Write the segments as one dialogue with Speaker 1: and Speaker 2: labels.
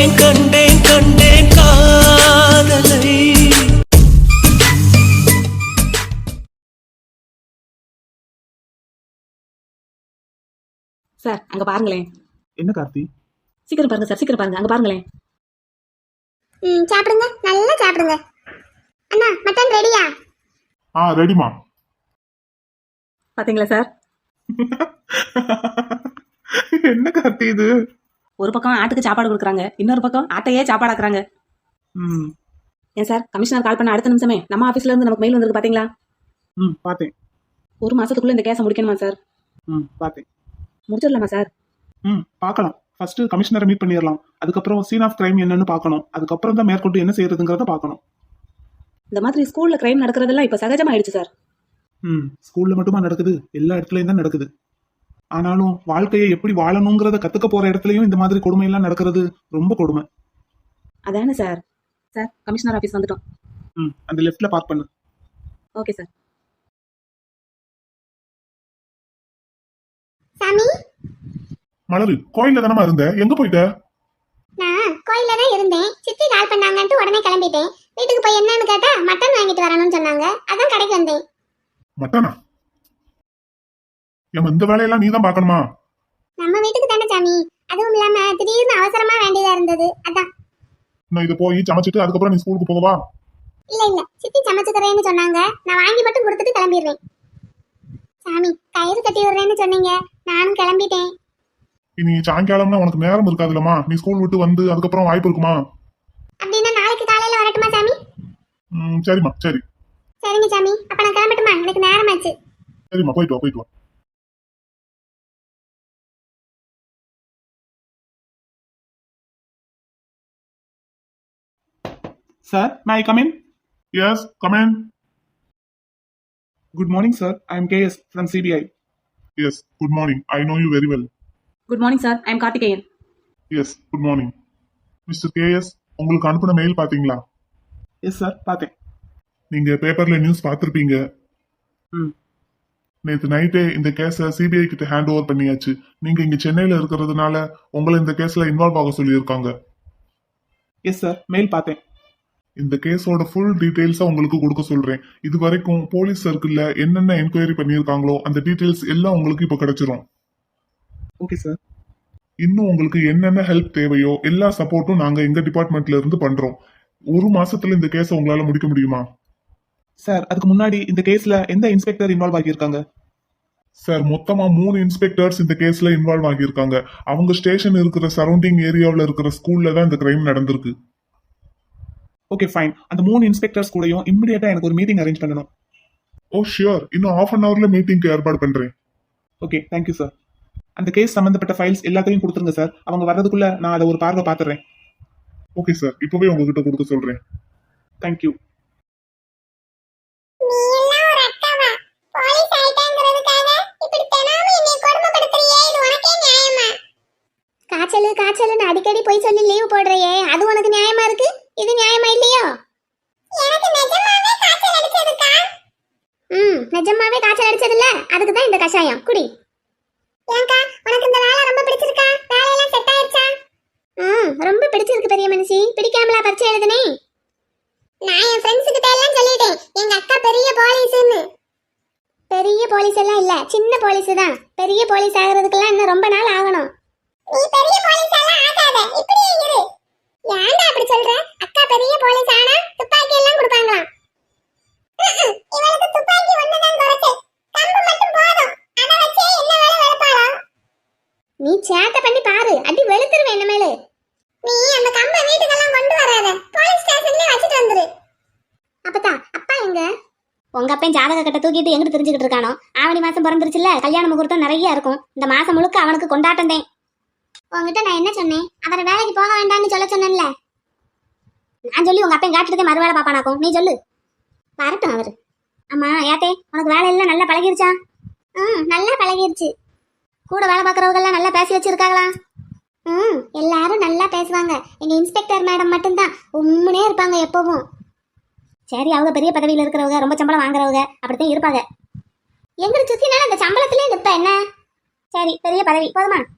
Speaker 1: கண்டேன் கண்டேன் கண்டேன் காதலை.
Speaker 2: சார் அங்க பாருங்களேன்.
Speaker 3: என்ன கார்த்தி?
Speaker 2: சீக்கிரம் பாருங்க சார், சீக்கிரம் பாருங்க, அங்க பாருங்களேன்.
Speaker 4: சாப்பிடுங்க, நல்லா சாப்பிடுங்க. அண்ணா மட்டன் ரெடியா?
Speaker 3: ரெடிமா.
Speaker 2: பாத்தீங்களா சார்?
Speaker 3: என்ன கார்த்தி இது?
Speaker 2: ஒரு பக்கம் ஆட்டுக்கு சாப்பாடு கொடுக்குறாங்க, இன்னொரு பக்கம் ஆட்டையே சாப்பாடாக்குறாங்க. ஏன் சார், கமிஷனர் கால் பண்ண அடுத்த நிமிஷமே நம்ம ஆபீஸ்ல இருந்து நமக்கு மெயில் வந்திருக்கு பாத்தீங்களா?
Speaker 3: பாத்தேன்.
Speaker 2: ஒரு மாசத்துக்குள்ள இந்த கேஸை முடிக்கணுமா சார்?
Speaker 3: பாத்தேன்.
Speaker 2: முடிச்சிடலாமா சார்?
Speaker 3: பார்க்கலாம். ஃபர்ஸ்ட் கமிஷனரை மீட் பண்ணிடலாம். அதுக்கப்புறம் சீன் ஆஃப் கிரைம் என்னன்னு பார்க்கணும். அதுக்கப்புறம் தான் மேற்கொண்டு என்ன செய்யறதுங்கிறத பார்க்கணும்.
Speaker 2: இந்த மாதிரி ஸ்கூல்ல கிரைம் நடக்கிறதெல்லாம் இப்ப சகஜமாயிடுச்சு சார்.
Speaker 3: ஸ்கூல்ல மட்டுமா நடக்குது? எல்லா இடத்துலயும் தான் நடக்குது. ஆனாலும் வாழ்க்கையை எப்படி வாழணுங்கிறத கத்துக்க போற இடத்துலயும் இந்த மாதிரி கொடுமை எல்லாம் நடக்கிறது ரொம்ப கொடுமை.
Speaker 2: அதானே சார். சார் கமிஷனர் ஆபீஸ் வந்துட்டோம்.
Speaker 3: அந்த லெஃப்ட்ல பார்க் பண்ணு.
Speaker 2: Okay sir.
Speaker 4: சாமி,
Speaker 3: மலரு, கோயில்ல தானமா இருந்த? எங்க போயிட்ட?
Speaker 4: நான் கோயில்ல தான் இருந்தேன். சித்தி கால் பண்ணாங்கன்ட்டு உடனே கிளம்பிட்டேன். வீட்டுக்கு போய் என்னன்னு கேட்டா மட்டன் வாங்கிட்டு வரணும்னு சொன்னாங்க. அதான் கடைக்கு வந்தேன்.
Speaker 3: மட்டனா? இந்த வேலையெல்லாம் நீ தான் பார்க்கணுமா?
Speaker 4: நம்ம வீட்டுக்கு தானே சாமி. அதுவும் இல்லாம திடீர்னு அவசரமா வேண்டியதா இருந்தது, அதான்.
Speaker 3: நான் இதை போய் சமைச்சிட்டு அதுக்கப்புறம் நீ ஸ்கூலுக்கு போகவா?
Speaker 4: இல்ல சித்தி சமைச்சுக்கிறேன்னு சொன்னாங்க. நான் வாங்கி மட்டும் கொடுத்துட்டு கிளம்பிடுறேன். சாமி, கயிறு கட்டி விடுறேன்னு சொன்னீங்க, நானும் கிளம்பிட்டேன்.
Speaker 3: இனி சாயங்காலம்னா உனக்கு நேரம் இருக்காதுல்லம்மா. நீ ஸ்கூல் விட்டு வந்து அதுக்கப்புறம் வாய்ப்பு இருக்குமா?
Speaker 4: அப்படின்னா நாளைக்கு காலையில வரட்டுமா சாமி?
Speaker 3: சரிம்மா, சரி.
Speaker 4: சரிங்க சாமி, அப்ப நான் கிளம்பட்டுமா? எனக்கு நேரமாச்சு.
Speaker 3: சரிம்மா, போயிட்டு வா, போயிட்டு வா. Sir, may I come in? Yes, come in. Good morning, sir. I am KS from CBI. Yes, good morning. I know you very well.
Speaker 2: Good morning sir, I am Karthikeyan.
Speaker 3: Yes, good morning. Mr. KS, உங்களுக்கு அனுப்பின mail பாத்தீங்களா? Yes sir, பார்த்தேன். நீங்க பேப்பர்ல news பார்த்திருப்பீங்க. நேற்று நைட்டே இந்த கேஸை சிபிஐ கிட்ட ஹேண்ட் ஓவர் பண்ணியாச்சு. நீங்க இங்க சென்னையில இருக்கிறதுனால உங்களை இந்த கேஸ்ல இன்வால்வ் ஆக சொல்லியிருக்காங்க. எஸ் சார், மெயில் பார்த்தேன். இந்த கேஸோட ஃபுல் டீடைல்ஸா உங்களுக்கு கொடுக்க சொல்றேன். இது வரைக்கும் போலீஸ் சர்க்கிள்ல என்னென்ன என்கொயரி பண்ணியிருக்காங்களோ அந்த டீடைல்ஸ் எல்லாம் உங்களுக்கு இப்போ கிடைச்சிரும். Okay sir. இன்னும் உங்களுக்கு என்னென்ன ஹெல்ப் தேவையோ எல்லா சப்போர்ட்டும் நாங்க எங்க டிபார்ட்மெண்ட்ல இருந்து பண்றோம். ஒரு மாசத்துல இந்த கேஸை உங்களால முடிக்க முடியுமா? சார், அதுக்கு முன்னாடி இந்த கேஸ்ல எந்த இன்ஸ்பெக்டர் இன்வால்வ் ஆகியிருக்காங்க? சார், மொத்தமா 3 இன்ஸ்பெக்டர்ஸ் இந்த கேஸ்ல இன்வால்வ் ஆகியிருக்காங்க. அவங்க ஸ்டேஷன் இருக்கிற சரௌண்டிங் ஏரியாவில் இருக்கிற ஸ்கூல்ல தான் இந்த கிரைம் நடந்திருக்கு. Okay fine. அந்த 3 இன்ஸ்பெக்டர்ஸ் கூடயும் இமிடியேட்டா எனக்கு ஒரு மீட்டிங் அரேஞ்ச் பண்ணணும். ஓ ஷியோர், இன்னும் ½ அன் ஹவர்ல மீட்டிங்க்கு ஏற்பாடு பண்றேன். Okay, thank you sir. அந்த கேஸ் சம்பந்தப்பட்ட ஃபைல்ஸ் எல்லாத்தையும் கொடுத்துருங்க சார். அவங்க வர்றதுக்குள்ள நான் அதை ஒரு பார்வை பார்த்துறேன். ஓகே சார், இப்பவே உங்ககிட்ட கொடுக்க சொல்றேன். தேங்க்யூ.
Speaker 4: காய்ச்சல் அடிக்கடி போய் சொல்லி லீவ் போடுறையே, அது உனக்கு நியாயமா இருக்கு? இது நியாயமா இல்லையோ? எனக்கு நிஜமாவே காய்ச்சல் அடிச்சதுக்கா. நிஜமாவே காய்ச்சல் அடிச்சதுல, அதுக்கு தான் இந்த கஷாயம் குடி. ஏங்கா, உனக்கு இந்த வேலை ரொம்ப பிடிச்சிருக்கா? வேலையெல்லாம் செட் ஆயிருச்சா? ரொம்ப பிடிச்சிருக்கு பெரிய மனுஷி. பிடிக்காமலா பரிச்சை எழுதுனே? நான் என் ஃப்ரெண்ட்ஸ் கிட்ட எல்லாம் சொல்லிட்டேன், எங்க அக்கா பெரிய போலீஸ்னு. பெரிய போலீஸ் எல்லாம் இல்ல, சின்ன போலீஸ் தான். பெரிய போலீஸ் ஆகிறதுக்கெல்லாம் இன்னும் ரொம்ப நாள் ஆகணும். நீ பெரிய போலீஸ் எல்லாம் ஆகாத, இப்படியே இரு. ஏன்டா அப்படி சொல்ற? அக்கா பெரிய போலீஸ் ஆனா துப்பாக்கி எல்லாம் கொடுப்பாங்களாம். இவளுக்கு துப்பாக்கி ஒண்ணுதான் குறைச்சல், கம்பு மட்டும் போதும். அத வச்சே என்ன வேலை வெளுப்பாளோ? நீ சேட்டை பண்ணி பாரு, அடி வெளுத்துருவேன் என்ன மேல. நீ அந்த கம்பை வீட்டுக்கெல்லாம் கொண்டு வராத, போலீஸ் ஸ்டேஷன்லயே வச்சிட்டு வந்துரு. அப்பதா அப்பா எங்க? உங்க அப்பன் ஜாதக கட்ட தூக்கிட்டு எங்கிட்டு தெரிஞ்சுக்கிட்டு இருக்கானோ? ஆவணி மாசம் பிறந்துருச்சுல, கல்யாண முகூர்த்தம் நிறைய இருக்கும். இந்த மாசம் முழுக்க அவனுக்கு கொண்டாட்டம் தான். உங்ககிட்ட நான் என்ன சொன்னேன்? அவரை வேலைக்கு போக வேண்டாம்னு சொல்ல சொன்னேன்ல. நான் சொல்லி உங்க அப்பன் காட்டுறதே மறுவேளை பாப்பானாக்கும். நீ சொல்லு. வரட்டும் அவரு. அம்மா ஏத்தே, உனக்கு வேலை எல்லாம் நல்லா பழகிருச்சா? நல்லா பழகிருச்சு. கூட வேலை பார்க்கறவங்க எல்லாம் நல்லா பேசி வச்சிருக்காங்களா? எல்லாரும் நல்லா பேசுவாங்க. எங்க இன்ஸ்பெக்டர் மேடம் மட்டும்தான் உம்முனே இருப்பாங்க எப்பவும். சரி, அவங்க பெரிய பதவியில இருக்கிறவங்க, ரொம்ப சம்பளம் வாங்குறவங்க அப்படித்தான் இருப்பாங்க. எங்களை சுத்தினால அந்த சம்பளத்திலே நிற்ப என்ன? சரி, பெரிய பதவி போதுமா?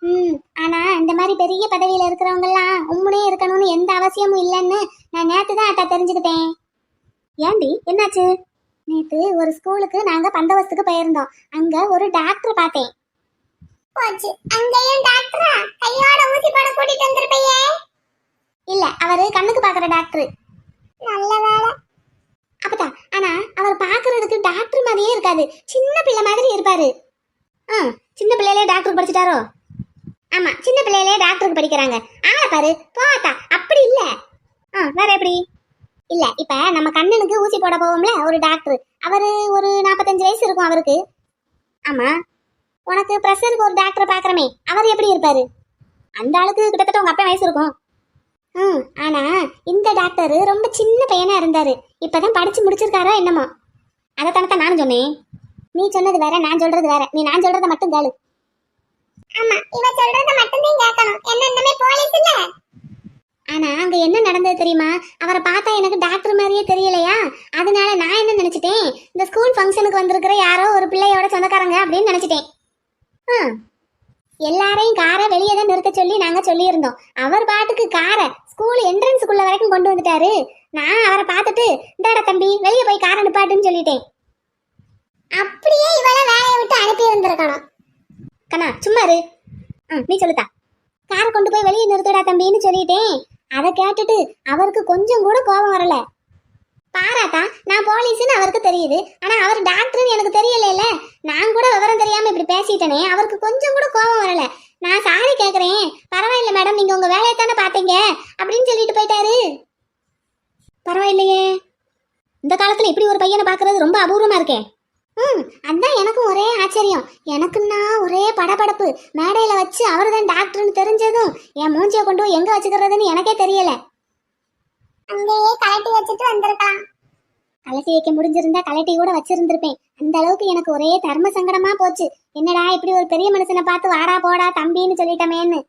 Speaker 4: ஆனா இந்த மாதிரி பெரிய பதவியில இருக்கிறவங்க எல்லாம் உம்முனே இருக்கணும்னு எந்த அவசியமும் இல்லைன்னு நான் நேத்து தான் அட்டா தெரிஞ்சுக்கிட்டேன். ஏண்டி என்னாச்சு? நேத்து ஒரு ஸ்கூலுக்கு நாங்க பந்தோபஸ்துக்கு போயிருந்தோம். அங்க ஒரு டாக்டர் பார்த்தேன். போச்சு, அங்கேயும் டாக்டரா? கையோட ஊசி போட கூட்டிட்டு வந்திருப்பையே. இல்ல, அவரு கண்ணுக்கு பாக்குற டாக்டர். நல்ல வேலை. அப்பதான், ஆனா அவர் பாக்குறதுக்கு டாக்டர் மாதிரியே இருக்காது, சின்ன பிள்ளை மாதிரி இருப்பாரு. சின்ன பிள்ளையிலே டாக்டர் படிச்சிட்டாரோ? ஆமா, சின்ன பிள்ளையிலே டாக்டருக்கு படிக்கிறாங்க. ஆளை பாரு, போத்தா அப்படி இல்ல. வேற எப்படி? இல்ல, இப்ப நம்ம கண்ணனுக்கு ஊசி போட போவோம்ல ஒரு டாக்டர், அவரு ஒரு 45 வயசு இருக்கும் அவருக்கு. ஆமா, உனக்கு பிரஷருக்கு ஒரு டாக்டர் பாக்குறமே, அவர் எப்படி இருப்பாரு? அந்த ஆளுக்கு கிட்டத்தட்ட உங்க அப்பா வயசு இருக்கும். ஆனா இந்த டாக்டர் ரொம்ப சின்ன பையனா இருந்தாரு. இப்பதான் படிச்சு முடிச்சிருக்காரோ என்னமோ. அதைத்தானத்தான் நானும் சொன்னேன். நீ சொன்னது வேற, நான் சொல்றது வேற. நீ நான் சொல்றத மட்டும் கேளு. ஆமா, இவ சொல்றத மட்டும் தான் கேட்கணும். என்னன்னமே போலீஸ் இல்ல. ஆனா அங்க என்ன நடந்தது தெரியுமா? அவரை பார்த்தா எனக்கு டாக்டர் மாதிரியே தெரியலையா? அதனால நான் என்ன நினைச்சிட்டேன், இந்த ஸ்கூல் ஃபங்க்ஷனுக்கு வந்திருக்கிற யாரோ ஒரு பிள்ளையோட சொந்தக்காரங்க அப்படின்னு நினைச்சிட்டேன். எல்லாரையும் காரை வெளியே தான் நிறுத்த சொல்லி நாங்க சொல்லியிருந்தோம். அவர் பாட்டுக்கு காரை ஸ்கூல் என்ட்ரன்ஸுக்குள்ள வரைக்கும் கொண்டு வந்துட்டாரு. நான் அவரை பார்த்துட்டு, இந்தாடா தம்பி வெளியே போய் காரை நிப்பாட்டுன்னு சொல்லிட்டேன். அப்படியே இவள வேலையை விட்டு அனுப்பி வந்திருக்கணும். கண்ணா சும்மா இரு. நீ சொல்லுதா. காரை கொண்டு போய் வெளியே நிறுத்தடா தம்பின்னு சொல்லிட்டேன். அதை கேட்டுட்டு அவருக்கு கொஞ்சம் கூட கோபம் வரல. பாராட்டா, நான் போலீஸ்னு அவருக்கு தெரியுது, ஆனா அவர் டாக்டர்னு எனக்கு தெரியல. நான் கூட விவரம் தெரியாம இப்படி பேசிட்டேனே, அவருக்கு கொஞ்சம் கூட கோபம் வரல. நான் சாரி கேக்குறேன், பரவாயில்ல மேடம், நீங்க உங்க வேலையை தானே பாத்தீங்க அப்படின்னு சொல்லிட்டு போயிட்டாரு. பரவாயில்லையே, இந்த காலத்துல இப்படி ஒரு பையனை பாக்குறது ரொம்ப அபூர்வமா இருக்கே. அதான் எனக்கும் ஒரே ஆச்சரியம். எனக்குன்னா ஒரே படபடப்பு. மேடையில வச்சு அவரு தான் டாக்டர்னு தெரிஞ்சதும் என் மூஞ்சியை கொண்டு எங்க வச்சுக்கிறதுன்னு எனக்கே தெரியல. அங்கேயே கலட்டி வச்சுட்டு வந்திருக்கலாம். கலட்டி வைக்க முடிஞ்சிருந்தா கலட்டி கூட வச்சிருந்திருப்பேன். அந்த அளவுக்கு எனக்கு ஒரே தர்ம சங்கடமா போச்சு. என்னடா இப்படி ஒரு பெரிய மனுஷனை பார்த்து வாடா போடா தம்பின்னு சொல்லிட்டமேன்னு.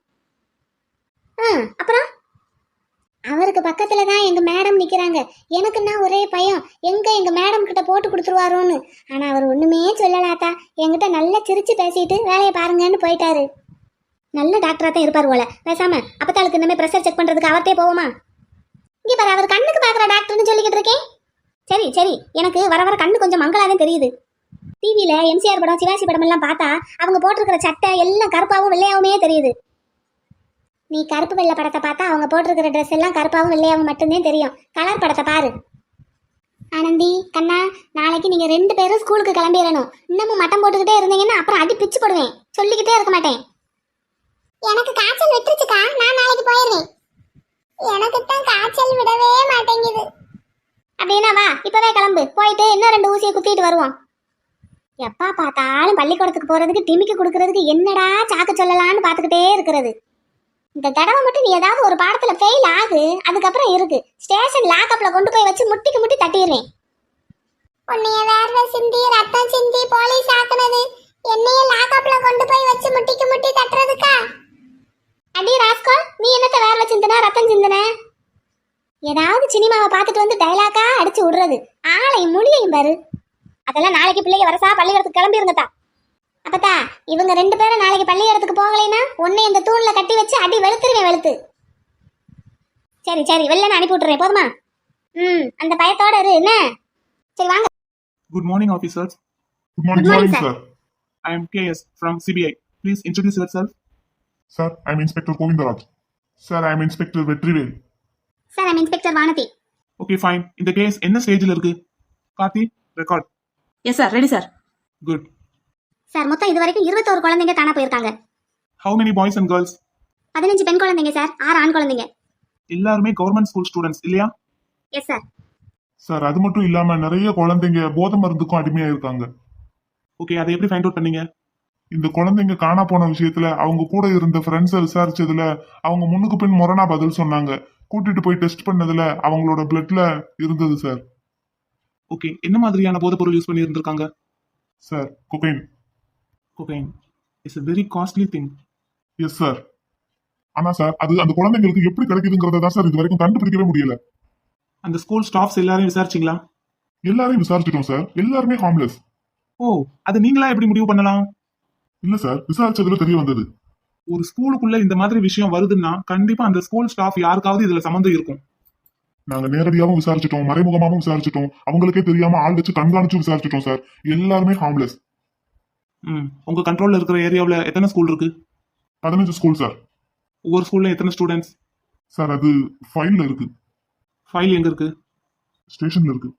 Speaker 4: அப்புறம் அவருக்கு பக்கத்துல தான் எங்க மேடம் நிக்கிறாங்க. எனக்குன்னா ஒரே பயம், எங்க மேடம் கிட்ட போட்டு கொடுத்துருவாரோன்னு. ஆனா அவர் ஒண்ணுமே சொல்லலாத்தா. என்கிட்ட நல்லா சிரிச்சு பேசிட்டு வேலையை பாருங்கன்னு போயிட்டாரு. நல்ல டாக்டரா தான் இருப்பார் போல. பேசாம அப்பத்தாளுக்கு இனிமே ப்ரெஷர் செக் பண்றதுக்கு அவர்கிட்டே போவோமா? இங்க பாரு, அவர் கண்ணுக்கு பாக்குற டாக்டர்னு சொல்லிக்கிட்டு இருக்கேன். சரி சரி, எனக்கு வர வர கண்ணு கொஞ்சம் மங்களாதான் தெரியுது. டிவியில எம்சிஆர் படம், சிவாஜி படம் எல்லாம் பார்த்தா அவங்க போட்டிருக்கிற சட்டை எல்லாம் கருப்பாவும் வெள்ளையாவுமே தெரியுது. நீ கருப்பு வெள்ளை படத்தை பார்த்தா அவங்க போட்டிருக்கிற ட்ரெஸ் எல்லாம் கருப்பாவும் வெள்ளையாவும் மட்டும்தான் தெரியும். கலர் படத்தை பாரு. ஆனந்தி கண்ணா, நாளைக்கு நீங்க 2 பேரும் ஸ்கூலுக்கு கிளம்பிடணும். இன்னமும் மட்டம் போட்டுக்கிட்டே இருந்தீங்கன்னா அப்புறம் அடி பிச்சு போடுவேன். சொல்லிக்கிட்டே இருக்க மாட்டேன். எனக்கு காய்ச்சல் விட்டுருச்சுக்கா, நான் நாளைக்கு போயிடுறேன். எனக்கு தான் காய்ச்சல் விடவே மாட்டேங்குது. அப்படின்னா வா, இப்பவே கிளம்பு. போயிட்டு இன்னும் 2 ஊசியை குத்திட்டு வருவோம். எப்பா பார்த்தாலும் பள்ளிக்கூடத்துக்கு போறதுக்கு டிமிக்கு கொடுக்கறதுக்கு என்னடா சாக்கு சொல்லலான்னு பார்த்துக்கிட்டே இருக்கிறது. இந்த தடவை மட்டும் நீ ஏதாவது ஒரு பாடத்துல ஃபெயில் ஆகு, அதுக்கப்புறம் இருக்கு ஸ்டேஷன் லாக்அப்ல கொண்டு போய் வச்சு முட்டிக்கு முட்டி தட்டிடுறேன். உன்னைய வேர்வை சிந்தி ரத்தம் சிந்தி போலீஸ் ஆக்குனது என்னைய லாக்அப்ல கொண்டு போய் வச்சு முட்டிக்கு முட்டி தட்டுறதுக்கா? அடி ராஸ்கோ, நீ என்னத்த வேர்வை சிந்தன ரத்தம் சிந்தன? ஏதாவது சினிமாவை பார்த்துட்டு வந்து டைலாக்கா அடிச்சு விடுறது. ஆளை முடியையும் பாரு. அதெல்லாம் நாளைக்கு பிள்ளைங்க வரசா பள்ளிக்கூடத்துக்கு கிளம்பிருங்கத்தா. அப்பத்தா, இவங்க 2 பேரும் நாளைக்கு பள்ளிக்கூடத்துக்கு போகலைன்னா உன்னை இந்த தூண்ல கட்டி வச்சு அடி வெளுத்துருவேன் வெளுத்து. சரி சரி, வெளில அனுப்பி விட்டுறேன் போதுமா? அந்த பயத்தோட இரு என்ன. சரி வாங்க.
Speaker 5: Good morning, officers.
Speaker 3: Good morning, sir.
Speaker 5: I am KS from CBI. Please introduce yourself.
Speaker 3: Sir, I'm Inspector Govindaraj. Sir, I'm Inspector Vetrivel.
Speaker 4: Sir, I'm inspector Vanathi.
Speaker 5: Okay, fine. இந்த கேஸ் என்ன ஸ்டேஜில் இருக்கு? Karthi, record.
Speaker 2: Yes sir, ready sir.
Speaker 5: Good.
Speaker 4: Sir, மொத்தம் இது வரைக்கும் 21 குழந்தைங்க காணா போயிருக்காங்க.
Speaker 5: How many boys and girls?
Speaker 4: 15 பெண் குழந்தைங்க சார், 6 ஆண் குழந்தைங்க.
Speaker 5: எல்லாருமே கவர்மெண்ட் ஸ்கூல் ஸ்டூடெண்ட்ஸ் இல்லையா?
Speaker 4: Yes sir.
Speaker 3: சார், அது மட்டும் இல்லாம நிறைய குழந்தைங்க போதை மருந்துக்கும் அடிமையா இருக்காங்க.
Speaker 5: ஓகே, அதை எப்படி ஃபைண்ட் அவுட் பண்ணீங்க?
Speaker 3: இந்த குழந்தைங்க காணா போன விஷயத்துல அவங்க கூட இருந்த ஃப்ரெண்ட்ஸை விசாரிச்சதுல அவங்க முன்னுக்கு பின் முரணா பதில் சொன்னாங்க. கூட்டிட்டு போய் டெஸ்ட் பண்ணதுல அவங்களோட பிளட்ல இருந்தது சார்.
Speaker 5: ஓகே, என்ன மாதிரியான போதைப் பொருள் யூஸ் பண்ணி இருந்திருக்காங்க?
Speaker 3: Sir, cocaine.
Speaker 5: Cocaine is a very costly thing.
Speaker 3: Yes sir. ஆனா சார், அது அந்த குழந்தைங்களுக்கு எப்படி கிடைக்குதுங்கிறத தான் சார் இது வரைக்கும் கண்டுபிடிக்கவே முடியல.
Speaker 5: அந்த ஸ்கூல் ஸ்டாஃப்ஸ் எல்லாரையும் விசாரிச்சிங்களா?
Speaker 3: எல்லாரையும் விசாரிச்சிட்டோம் சார், எல்லாருமே ஹார்ம்லெஸ்.
Speaker 5: ஓ, அது நீங்களா எப்படி முடிவு பண்ணலாம்?
Speaker 3: இல்ல சார், விசாரிச்சதுல தெரிய வந்தது.
Speaker 5: ஒரு ஸ்கூலுக்குள்ள இந்த மாதிரி விஷயம் வருதுன்னா கண்டிப்பா அந்த ஸ்கூல் ஸ்டாஃப் யாருக்காவது இதுல சம்மந்தம் இருக்கும்.
Speaker 3: நாங்க நேரடியாவும் விசாரிச்சிட்டோம், மறைமுகமாவும் விசாரிச்சிட்டோம், அவங்களுக்கே தெரியாம ஆள் வச்சு கண்காணிச்சு விசாரிச்சிட்டோம் சார். எல்லாருமே ஹார்ம்லெஸ்.
Speaker 5: உங்க கண்ட்ரோல்ல இருக்கிற ஏரியாவுல எத்தனை ஸ்கூல் இருக்கு?
Speaker 3: 15 ஸ்கூல் சார்.
Speaker 5: ஒவ்வொரு ஸ்கூல்ல எத்தனை ஸ்டூடெண்ட்ஸ்?
Speaker 3: சார் அது ஃபைல்ல இருக்கு,
Speaker 5: ஃபைல் எங்க இருக்கு?
Speaker 3: ஸ்டேஷன்ல இருக்கு.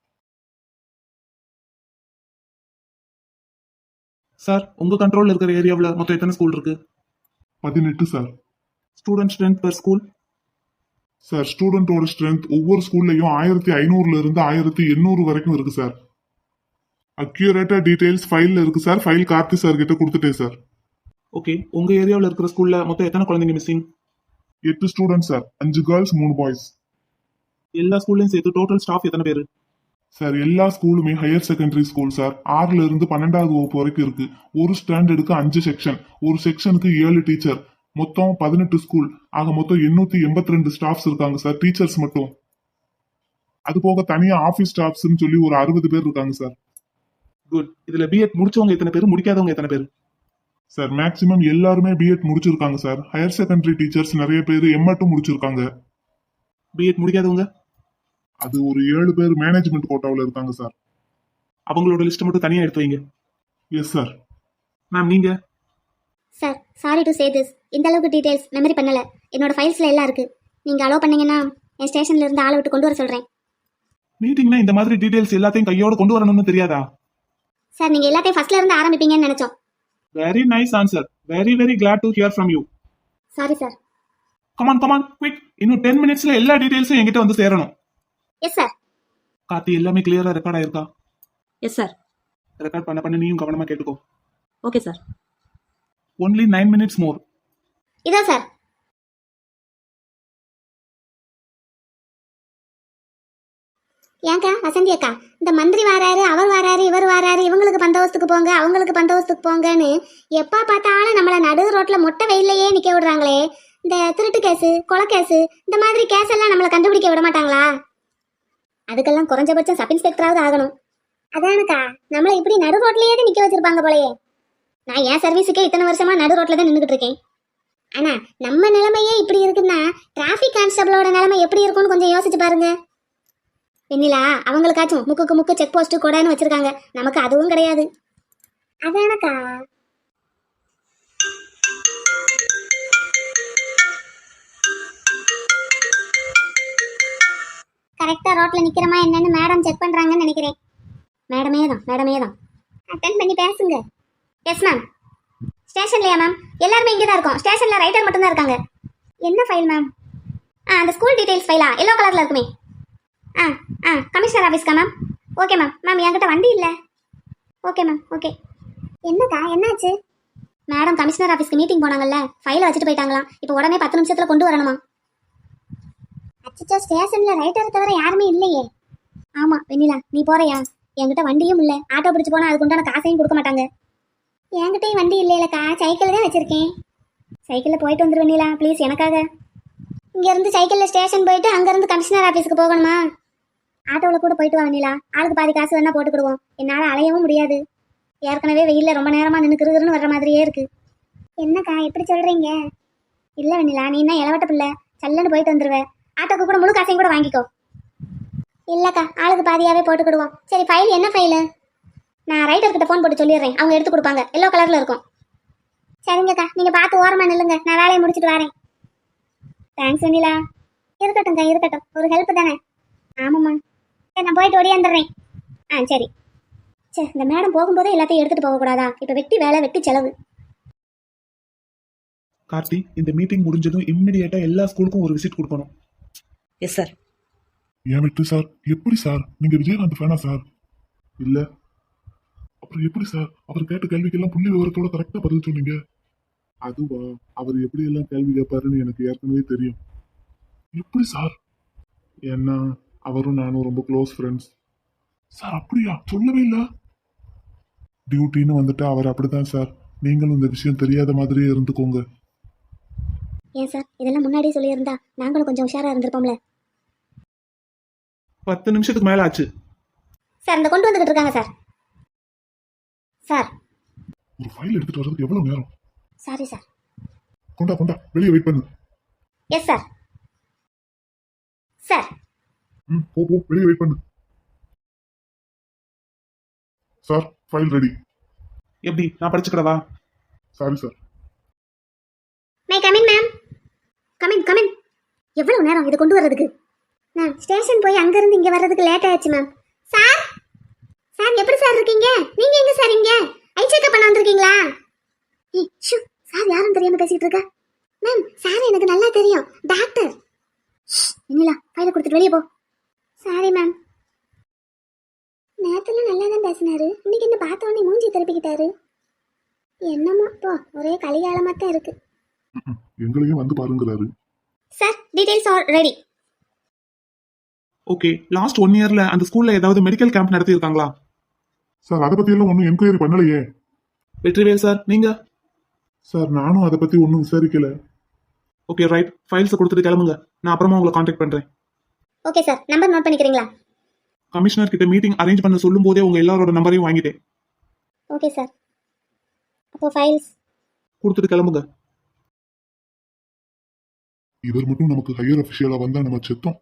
Speaker 5: சார் உங்க கண்ட்ரோல்ல இருக்கிற ஏரியாவுல மொத்தம் எத்தனை ஸ்கூல் இருக்கு?
Speaker 3: 18 sir.
Speaker 5: Student strength per school?
Speaker 3: Sir ஸ்டூடெண்டோட ஸ்ட்ரென்த் ஒவ்வொரு ஸ்கூல்லையும் 1500ல இருந்து 1800 வரைக்கும் இருக்கு சார். அக்யூரேட்டா டீடைல்ஸ் ஃபைல்ல இருக்கு சார். ஃபைல் கார்த்தி சார் கிட்ட கொடுத்துட்டேன் சார்.
Speaker 5: ஓகே, உங்க ஏரியாவுல இருக்கிற ஸ்கூல்ல மொத்தம் எத்தனை குழந்தைங்க missing?
Speaker 3: 8 student sir. 5 girls 3 boys.
Speaker 5: எல்லா ஸ்கூல்லையும் சேர்த்து டோட்டல் ஸ்டாஃப் எத்தனை பேரு?
Speaker 3: சார் எல்லா ஸ்கூலுமே ஹையர் செகண்டரி ஸ்கூல் சார். 6ல இருந்து 12வது வகுப்பு வரைக்கும் இருக்கு. ஒரு ஸ்டாண்டர்டுக்கு 5 செக்ஷன், ஒரு செக்ஷனுக்கு 7 டீச்சர், மொத்தம் 18 ஸ்கூல். ஆக மொத்தம் 882 ஸ்டாஃப்ஸ் இருக்காங்க சார், டீச்சர்ஸ் மட்டும். அது போக தனியா ஆபீஸ் ஸ்டாஃப்ஸ்னு சொல்லி ஒரு 60 பேர் இருக்காங்க சார்.
Speaker 5: குட். இதுல பிஎட் முடிச்சவங்க எத்தனை பேரு, முடிக்காதவங்க எத்தனை பேரு?
Speaker 3: சார் மேக்சிமம் எல்லாருமே பிஎட் முடிச்சிருக்காங்க சார். ஹையர் செகண்டரி டீச்சர்ஸ் நிறைய பேர் எம்எட்டும் முடிச்சிருக்காங்க.
Speaker 5: பிஎட் முடிக்காதவங்க?
Speaker 3: அது ஒரு 7 பேர் மேனேஜ்மெண்ட் கோட்டாவில் இருக்காங்க சார்.
Speaker 5: அவங்களோட லிஸ்ட் மட்டும் தனியா எடுத்து வைங்க.
Speaker 3: Yes sir.
Speaker 5: மேம் நீங்க?
Speaker 4: Sir sorry to say this, இந்த அளவுக்கு டீடைல்ஸ் மெமரி பண்ணல. என்னோட ஃபைல்ஸ்ல எல்லாம் இருக்கு. நீங்க அலோவ் பண்ணீங்கன்னா என் ஸ்டேஷன்ல இருந்து ஆளை விட்டு கொண்டு வர சொல்றேன்.
Speaker 5: மீட்டிங்னா இந்த மாதிரி டீடைல்ஸ் எல்லாத்தையும் கையோட கொண்டு வரணும்னு தெரியாதா?
Speaker 4: சார் நீங்க எல்லாத்தையும் ஃபர்ஸ்ட்ல இருந்து ஆரம்பிப்பீங்கன்னு நினைச்சோம்.
Speaker 5: Very nice answer. Very very glad to hear from you.
Speaker 4: Sorry sir.
Speaker 5: Come on come on quick. இன்னும் 10 மினிட்ஸ்ல எல்லா டீடைல்ஸும் என்கிட்ட வந்து சேரணும்.
Speaker 4: Yes sir.
Speaker 5: கார்த்தி, எல்லாமே கிளியரா ரெக்கார்ட் ஆயிருக்கா?
Speaker 2: Yes sir.
Speaker 5: ரெக்கார்ட் பண்ண நீயும் கவனமா கேட்டுக்கோ.
Speaker 2: Okay sir.
Speaker 5: Only 9 minutes more.
Speaker 4: இதோ சார். ஏங்கா வசந்தி அக்கா, இந்த மந்திரி வாராரு, அவர் வாராரு, இவர் வாராரு, இவங்களுக்கு பந்தோபஸ்துக்கு போங்க, அவங்களுக்கு பந்தோபஸ்துக்கு போங்கன்னு எப்பா பார்த்தாலும் நம்மள நடு ரோட்ல மொட்டை வெயிலையே நிக்க விடுறாங்களே. இந்த திருட்டு கேஸு, கொலை கேஸு, இந்த மாதிரி கேஸ் எல்லாம் நம்மளை கண்டுபிடிக்க விட மாட்டாங்களா? அதுக்கெல்லாம் குறைஞ்சபட்சம் சப் இன்ஸ்பெக்டராவது ஆகணும். அதானுக்கா நம்மளை இப்படி நடு ரோட்லயே நிக்க வச்சிருப்பாங்க போலயே. நான் என் சர்வீஸுக்கே இத்தனை வருஷமா நடு ரோட்ல தான் நின்றுகிட்டு இருக்கேன். ஆனா நம்ம நிலைமையே இப்படி இருக்குன்னா டிராஃபிக் கான்ஸ்டபிளோட நிலைமை எப்படி இருக்கும்னு கொஞ்சம் யோசிச்சு பாருங்க. வெண்ணிலா, அவங்களுக்காச்சும் முக்குக்கு முக்கு செக் போஸ்ட் கொடான்னு வச்சிருக்காங்க, நமக்கு அதுவும் கிடையாது. அதானக்கா. கரெக்டா ரோட்ல நிக்கிறமா என்னன்னு மேடம் செக் பண்றாங்கன்னு நினைக்கிறேன். மேடமே தான். அட்டென்ட் பண்ணி பேசுங்க. Yes ma'am. ஸ்டேஷன்லயா மேம்? எல்லாருமே இங்கே தான் இருக்கோம். ஸ்டேஷன்ல ரைட்டர் மட்டும் தான் இருக்காங்க. என்ன ஃபைல் மேம்? அந்த ஸ்கூல் டீடைல்ஸ் ஃபைலா? எல்லோ கலர்ல இருக்குமே. கமிஷனர் ஆஃபீஸ்க்கா மேம்? Okay ma'am. மேம் என்கிட்ட வண்டி இல்லை. Okay ma'am. ஓகே. என்னக்கா என்னாச்சு? மேடம் கமிஷனர் ஆஃபீஸ்க்கு மீட்டிங் போனாங்கல்ல, ஃபைலை வச்சுட்டு போயிட்டாங்களாம். இப்போ உடனே 10 நிமிஷத்துல கொண்டு வரணுமா? அச்சோ, ஸ்டேஷன்ல ரைட்டர் தவிர யாருமே இல்லையே. ஆமா வெண்ணிலா, நீ போறியா? என்கிட்ட வண்டியும் இல்லை. ஆட்டோ பிடிச்சு போனா அதுக்கு உண்டான காசையும் கொடுக்க மாட்டாங்க. என்கிட்டயும் வண்டி இல்லைலக்கா, சைக்கிள் தான் வச்சிருக்கேன். சைக்கிளில் போயிட்டு வந்துரு வெண்ணிலா ப்ளீஸ் எனக்காக. இங்கேருந்து சைக்கிளில் ஸ்டேஷன் போயிட்டு அங்கேருந்து கமிஷனர் ஆஃபீஸுக்கு போகணுமா? ஆட்டோவில் கூட போயிட்டு வா வெண்ணிலா, ஆளுக்கு பாதி காசு வேணா போட்டுக்கிடுவோம். என்னால் அலையவும் முடியாது. ஏற்கனவே வெயிலில் ரொம்ப நேரமாக நின்று கிருகிருன்னு வர்ற மாதிரியே இருக்கு. என்னக்கா எப்படி சொல்கிறீங்க? இல்லை வெண்ணிலா, நீ என்ன இளவட்ட பிள்ளை, சல்லுன்னு போயிட்டு வந்துடுவேன். ஆட்டோக்கு கூட முழு காசையும் கூட வாங்கிக்கோ. இல்லைக்கா, ஆளுக்கு பாதியாகவே போட்டுக்கிடுவோம். சரி, ஃபைல் என்ன ஃபைலு? நான் ரைட்டர்கிட்ட ஃபோன் போட்டு சொல்லிடுறேன், அவங்க எடுத்து கொடுப்பாங்க. எல்லோ கலரில் இருக்கும். சரிங்கக்கா, நீங்கள் பார்த்து ஓரமாக நில்லுங்க, நான் வேலையை முடிச்சுட்டு வரேன். தேங்க்ஸ் வெண்ணிலா. இருக்கட்டும்க்கா இருக்கட்டும், ஒரு ஹெல்ப் தானே. ஆமாம்மா. சரி, நான் போயிட்டு ஓடியாந்துடுறேன். சரி. சரி, இந்த மேடம் போகும்போதே எல்லாத்தையும் எடுத்துகிட்டு போகக்கூடாதா? இப்போ வெட்டி வேலை, வெட்டி செலவு.
Speaker 5: கார்த்தி, இந்த மீட்டிங் முடிஞ்சதும் இம்மிடியேட்டா எல்லா ஸ்கூலுக்கும் ஒரு விசிட் கொடுக்கணும்.
Speaker 2: Yes sir.
Speaker 3: ஏன் விட்டு சார்? எப்படி சார்? நீங்க விஜயகாந்த் ஃபேனா சார்? இல்ல. அப்புறம் எப்படி சார் அவர் கேட்ட கேள்விக்கெல்லாம் புள்ளி விவரத்தோட கரெக்டா பதில் சொன்னீங்க? அதுவா, அவர் எப்படி எல்லாம் கேள்வி கேட்பாருன்னு எனக்கு ஏற்கனவே தெரியும். எப்படி சார்? ஏன்னா அவரும் நானும் ரொம்ப க்ளோஸ் ஃப்ரெண்ட்ஸ் சார். அப்படியா? சொல்லவே இல்ல. டியூட்டின்னு வந்துட்டு அவர் அப்படிதான் சார். நீங்களும் இந்த விஷயம் தெரியாத மாதிரியே இருந்துக்கோங்க.
Speaker 4: ஏன் சார் இதெல்லாம் முன்னாடியே சொல்லியிருந்தா நாங்களும் கொஞ்சம் உஷாரா இருந்திருப்போம்ல.
Speaker 5: 10 நிமிஷத்துக்கு மேல ஆச்சு
Speaker 4: சார். இந்த கொண்டு வந்துகிட்டு இருக்காங்க சார். சார்
Speaker 3: ஒரு ஃபைல் எடுத்துட்டு வர்றதுக்கு எவ்வளவு நேரம்?
Speaker 4: Sorry sir.
Speaker 3: கொண்டா கொண்டா, வெளியே வெயிட் பண்ணு.
Speaker 4: S sir. சார்
Speaker 3: போ போ, வெளியே வெயிட் பண்ணு. Sir, file ready.
Speaker 5: எப்படி, நான் படிச்சுக்கிறவா?
Speaker 3: Sorry sir.
Speaker 4: May come in ma'am. Come in come in. எவ்வளவு நேரம் இதை கொண்டு வர்றதுக்கு? மேம், ஸ்டேஷன் போய் அங்கிருந்து இங்க வர்றதுக்கு லேட் ஆயிடுச்சு மேம். சார் சார் எப்படி சார் இருக்கீங்க? நீங்க எங்க சார்? இங்க ஐ செக்அப் பண்ண வந்திருக்கீங்களா? சார் யாரும் தெரியாம பேசிட்டு இருக்க? மேம், சார் எனக்கு நல்லா தெரியும், டாக்டர். என்னலா, ஃபைலை கொடுத்துட்டு வெளியே போ. Sorry ma'am. நேரத்துல நல்லா தான் பேசினாரு, இன்னைக்கு என்ன பார்த்த உடனே மூஞ்சி திருப்பிக்கிட்டாரு. என்னமோ போ, ஒரே கலிகாலமா தான் இருக்கு.
Speaker 3: எங்களையும் வந்து பாருங்கிறாரு.
Speaker 4: Sir, details are ready.
Speaker 5: Okay, last 1 இயர்ல அந்த ஸ்கூல்ல ஏதாவது மெடிக்கல் கேம்ப் நடத்தி இருக்காங்களா?
Speaker 3: சார், அதை பத்தி எல்லாம் ஒன்றும் என்கொயரி பண்ணலையே.
Speaker 5: வெற்றிவேல் சார், நீங்க?
Speaker 3: சார், நானும் அதை பத்தி ஒன்றும் விசாரிக்கல.
Speaker 5: ஓகே ரைட், ஃபைல்ஸை கொடுத்துட்டு கிளம்புங்க. நான் அப்புறமா உங்களை காண்டாக்ட் பண்றேன்.
Speaker 4: ஓகே சார், நம்பர் நோட் பண்ணிக்கிறீங்களா?
Speaker 5: கமிஷனர் கிட்ட மீட்டிங் அரேஞ்ச் பண்ண சொல்லும் போதே உங்க எல்லாரோட நம்பரையும் வாங்கிட்டேன்.
Speaker 4: Okay sir. அப்போ ஃபைல்ஸ்
Speaker 5: கொடுத்துட்டு கிளம்புங்க.
Speaker 3: இவர் மட்டும் நமக்கு ஹையர் அஃபிஷியலா வந்தா நம்ம செத்தோம்.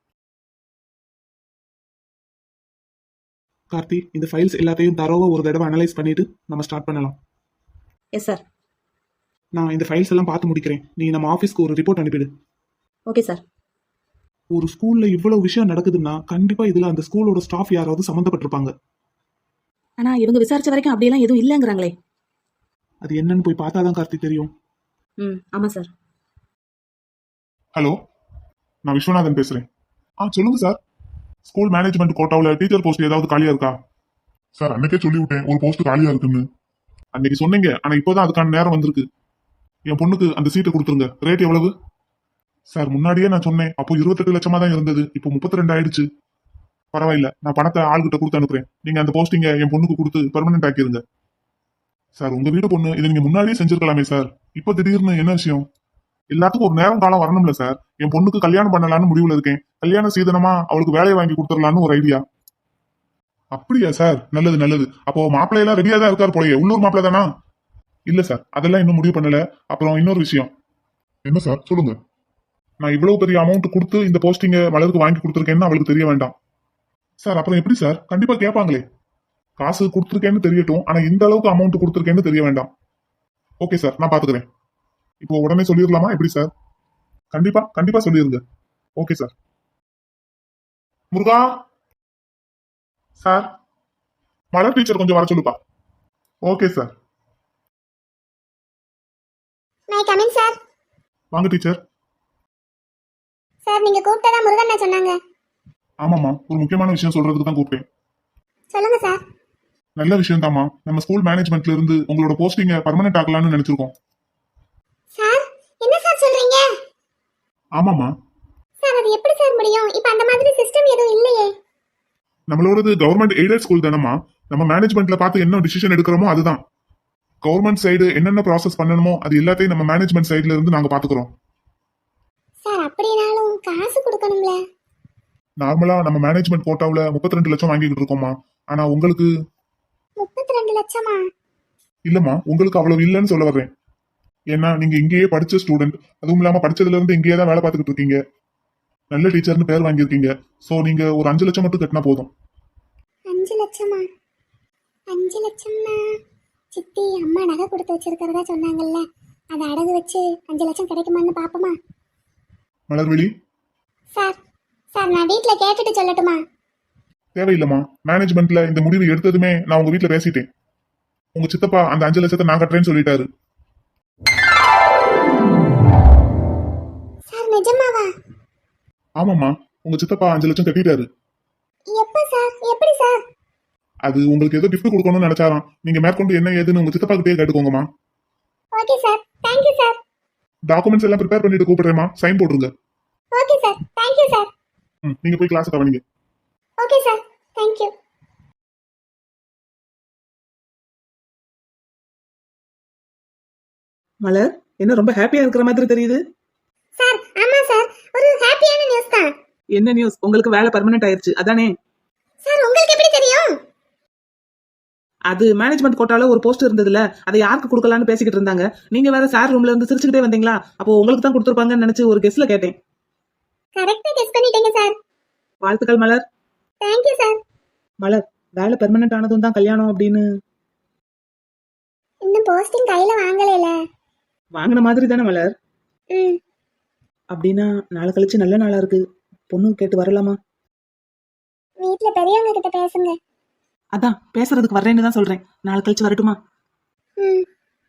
Speaker 5: கார்த்தி, இந்த ஃபைல்ஸ் எல்லாத்தையும் தரோவா ஒரு தடவை அனலைஸ் பண்ணிட்டு நம்ம ஸ்டார்ட் பண்ணலாம்.
Speaker 2: Yes sir.
Speaker 5: நான் இந்த ஃபைல்ஸ் எல்லாம் பார்த்து முடிக்கிறேன். நீ நம்ம ஆஃபீஸ்க்கு ஒரு ரிப்போர்ட் அனுப்பிடு.
Speaker 2: Okay sir.
Speaker 5: ஒரு ஸ்கூல்ல இவ்வளவு விஷயம் நடக்குதுன்னா கண்டிப்பா இதுல அந்த ஸ்கூலோட ஸ்டாஃப் யாராவது சம்மந்தப்பட்டிருப்பாங்க.
Speaker 2: ஆனா இவங்க விசாரிச்ச வரைக்கும் அப்படியெல்லாம் எதுவும் இல்லைங்கிறாங்களே.
Speaker 5: அது என்னன்னு போய் பார்த்தாதான் கார்த்தி தெரியும்.
Speaker 2: ஆமா சார்.
Speaker 3: ஹலோ, நான் விஸ்வநாதன் பேசுறேன். சொல்லுங்க சார். ஸ்கூல் மேனேஜ்மெண்ட் கோட்டாவில் டீச்சர் போஸ்ட் ஏதாவது காலியா இருக்கா? சார், அன்னைக்கே சொல்லி விட்டேன் ஒரு போஸ்ட் காலியா இருக்குன்னு. அன்னைக்கு சொன்னீங்க, ஆனா இப்போதான் அதுக்கான நேரம் வந்திருக்கு. என் பொண்ணுக்கு அந்த சீட்டை கொடுத்துருங்க. ரேட் எவ்வளவு? சார், முன்னாடியே நான் சொன்னேன், அப்போ 28 லட்சமா தான் இருந்தது, இப்போ 32 ஆயிடுச்சு. பரவாயில்ல, நான் பணத்தை ஆள்கிட்ட கொடுத்து அனுப்புறேன். நீங்க அந்த போஸ்டிங்க என் பொண்ணுக்கு கொடுத்து பெர்மனன்ட் ஆக்கிருங்க. சார், உங்க வீட்டு பொண்ணு இதை நீங்க முன்னாடியே செஞ்சிருக்கலாமே சார். இப்போ திடீர்னு என்ன விஷயம்? எல்லாத்துக்கும் ஒரு நேரம் காலம் வரணும்ல சார். என் பொண்ணுக்கு கல்யாணம் பண்ணலான்னு முடிவுல இருக்கேன். கல்யாண சீதனமா அவளுக்கு வேலையை வாங்கி கொடுத்துடலான்னு ஒரு ஐடியா. அப்படியா சார்? நல்லது நல்லது. அப்போ மாப்பிள்ளையெல்லாம் ரெடியா தான் இருக்காரு போலயே. உள்ளூர் மாப்பிள்ளை தானா? இல்ல சார், அதெல்லாம் இன்னும் முடிவு பண்ணல. அப்புறம் இன்னொரு விஷயம். என்ன சார், சொல்லுங்க. நான் இவ்வளவு பெரிய அமௌண்ட் கொடுத்து இந்த போஸ்டிங்க மலருக்கு வாங்கி கொடுத்துருக்கேன்னு அவளுக்கு தெரிய வேண்டாம் சார். அப்புறம் எப்படி சார்? கண்டிப்பா கேட்பாங்களே. காசு கொடுத்துருக்கேன்னு தெரியட்டும், ஆனா இந்த அளவுக்கு அமௌண்ட் கொடுத்துருக்கேன்னு தெரிய வேண்டாம். ஓகே சார், நான் பாத்துக்கிறேன். இப்போ உடனே சொல்லிடலாமா எப்படி சார்? கண்டிப்பா கண்டிப்பா சொல்லிருங்க. Okay sir. முருகா சார், மலர் டீச்சர் கொஞ்சம் வர சொல்லுப்பா. Okay sir.
Speaker 4: May come in sir.
Speaker 3: வாங்க டீச்சர்.
Speaker 4: சார், நீங்க கூப்பிட்டதா முருகன் சொன்னாங்க.
Speaker 3: ஆமாம்மா, ஒரு முக்கியமான விஷயம் சொல்றதுக்கு தான் கூப்பிட்டேன்.
Speaker 4: சொல்லுங்க சார்.
Speaker 3: நல்ல விஷயம் தாம்மா. நம்ம ஸ்கூல் மேனேஜ்மெண்ட்ல இருந்து உங்களோட போஸ்டிங்க பர்மனன்ட் ஆக்கலாம்னு நினைச்சிருக்கோம்.
Speaker 4: சார், என்ன சார் சொல்றீங்க?
Speaker 3: ஆமாம்மா.
Speaker 4: சார், அது எப்படி சார் முடியும்? இப்ப அந்த மாதிரி சிஸ்டம் எதுவும் இல்லையே.
Speaker 3: நம்மளோடது கவர்மெண்ட் எய்டட் ஸ்கூல் தானம்மா. நம்ம மேனேஜ்மெண்ட்ல பார்த்து என்ன டிசிஷன் எடுக்கிறோமோ அதுதான். கவர்மெண்ட் சைடு என்னென்ன ப்ராசஸ் பண்ணணுமோ அது எல்லாத்தையும் நம்ம மேனேஜ்மெண்ட் சைடுல இருந்து நாங்க பாத்துக்கிறோம்.
Speaker 4: சார், அப்படினாலும் காசு கொடுக்கணும்ல.
Speaker 3: நார்மலா நம்ம மேனேஜ்மெண்ட் கோட்டாவுல 32 லட்சம் வாங்கிட்டு இருக்கோம்மா. ஆனா உங்களுக்கு
Speaker 4: 32 லட்சமா?
Speaker 3: இல்லம்மா, உங்களுக்கு அவ்வளவு இல்லைன்னு சொல்ல வர்றேன். ஏன்னா நீங்க இங்கேயே படிச்ச ஸ்டூடெண்ட், அதுவும் இல்லாம படிச்சதுல இருந்து இங்கேயே தான் வேலை பார்த்துக்கிட்டு இருக்கீங்க. நல்ல டீச்சர்னு பேர் வாங்கியிருக்கீங்க. சோ நீங்க ஒரு 5 லட்சம் மட்டும் கட்டினா போதும்.
Speaker 4: 5 லட்சமா? 5 லட்சம்னா சித்தி அம்மா நகை கொடுத்து வச்சிருக்கிறதா சொன்னாங்கல்ல, அதை அடகு வச்சு 5 லட்சம் கிடைக்குமான்னு பாப்போமா?
Speaker 3: மலர்விழி,
Speaker 4: சார் சார், நான் வீட்ல கேட்டுட்டு சொல்லட்டுமா?
Speaker 3: தேவையில்லம்மா. மேனேஜ்மெண்ட்ல இந்த முடிவு எடுத்ததுமே நான் உங்க வீட்டுல பேசிட்டேன். உங்க சித்தப்பா அந்த 5 லட்சத்தை நான் கட்டுறேன்னு சொல்லிட்டாரு.
Speaker 4: சார், நிஜமாவா?
Speaker 3: ஆமாம்மா, உங்க சித்தப்பா 5 லட்சம் கட்டிட்டாரு.
Speaker 4: எப்ப சார்? எப்படி சார்?
Speaker 3: அது உங்களுக்கு ஏதோ கிஃப்ட் கொடுக்கணும்னு நினைச்சாராம். நீங்க மேற்கொண்டு என்ன ஏதுன்னு உங்க சித்தப்பா கிட்டே கேட்டுக்கோங்கம்மா.
Speaker 4: Okay sir, thank you sir.
Speaker 3: Documents எல்லாம் ப்ரிப்பேர் பண்ணிட்டு கூப்பிடுறேம்மா, சைன் போட்டுருங்க.
Speaker 4: Okay sir, thank you sir.
Speaker 3: நீங்க போய் கிளாஸ் கவனிங்க.
Speaker 4: Okay sir, thank you.
Speaker 2: மலர், என்ன ரொம்ப ஹாப்பியா இருக்கிற மாதிரி தெரியுது.
Speaker 4: சார், ஆமா சார், ஒரு ஹாப்பியான நியூஸ் தான்.
Speaker 2: என்ன நியூஸ்? உங்களுக்கு வேலை பர்மனன்ட் ஆயிருச்சு அதானே?
Speaker 4: சார், உங்களுக்கு எப்படி தெரியும்?
Speaker 5: அது மேனேஜ்மெண்ட் கோட்டால ஒரு போஸ்ட் இருந்ததுல, அதை யாருக்கு கொடுக்கலாம்னு பேசிக்கிட்டு இருந்தாங்க. நீங்க வேற சார் ரூம்ல இருந்து சிரிச்சுக்கிட்டே வந்தீங்களா, அப்போ உங்களுக்கு தான் கொடுத்துருப்பாங்கன்னு நினைச்சு ஒரு கெஸ்ல கேட்டேன்.
Speaker 4: கரெக்டா கெஸ் பண்ணிட்டீங்க சார்.
Speaker 5: வாழ்த்துக்கள் மலர்.
Speaker 4: Thank you sir.
Speaker 5: மலர், வேலை பெர்மனன்ட் ஆனதும் தான் கல்யாணம் அப்படின்னு
Speaker 4: இன்னும் போஸ்டிங் கையில வாங்கலைல.
Speaker 5: வாங்கின மாதிரி தானே மலர்?
Speaker 4: ம்.
Speaker 5: அப்படின்னா நாளை கழிச்சு நல்ல நாளா இருக்கு, பொண்ணு கேட்டு வரலாமா?
Speaker 4: வீட்ல பெரியவங்க கிட்ட பேசுங்க.
Speaker 5: அதான் பேசுறதுக்கு வர்றேன்னு தான் சொல்றேன். நாளை கழிச்சு வரட்டுமா?
Speaker 4: ம்.